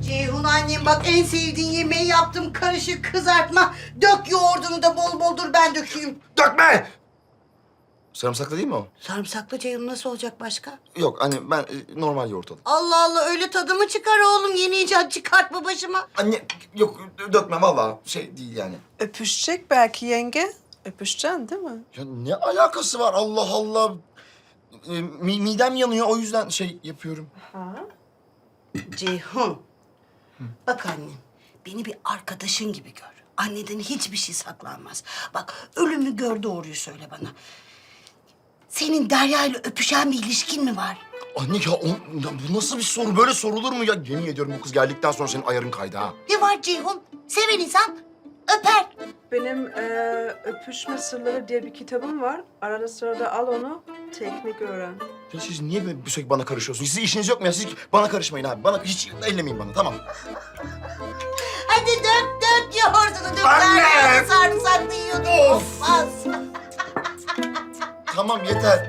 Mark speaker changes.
Speaker 1: Ceyhun annem bak en sevdiğin yemeği yaptım. Karışık kızartma. Dök yoğurdunu da bol bol, dur ben dökeyim.
Speaker 2: Dökme! Sarımsaklı değil mi o?
Speaker 1: Sarımsaklı Ceyhun, nasıl olacak başka?
Speaker 2: Yok hani ben normal yoğurt alayım.
Speaker 1: Allah Allah, öyle tadı mı çıkar oğlum? Yeni icat çıkartma başıma.
Speaker 2: Anne yok dökme vallahi şey değil yani.
Speaker 3: Öpüşecek belki yenge. Öpüşeceksin değil mi?
Speaker 2: Ya ne alakası var Allah Allah. Midem yanıyor o yüzden şey yapıyorum.
Speaker 3: Ha?
Speaker 1: Ceyhun. Bak annem, beni bir arkadaşın gibi gör. Anneden hiçbir şey saklanmaz. Bak, ölümü gör, doğruyu söyle bana. Senin Derya ile öpüşen bir ilişkin mi var?
Speaker 2: Anne ya bu nasıl bir soru? Böyle sorulur mu ya? Yemin ediyorum bu kız geldikten sonra senin ayarın kaydı ha.
Speaker 1: Ne var Ceyhun? Seven insan öper.
Speaker 3: Benim öpüşme sırları diye bir kitabım var. Arada sırada al onu, teknik öğren.
Speaker 2: Ya siz niye böyle sürekli bana karışıyorsunuz? Sizin işiniz yok mu ya? Siz bana karışmayın abi. Bana hiç ellemeyin bana tamam.
Speaker 1: Hadi dök yoğurdunu, dök.
Speaker 2: Anne!
Speaker 1: Derya sarımsaklı yiyordu.
Speaker 2: Of!
Speaker 1: Olmaz.
Speaker 2: Tamam yeter.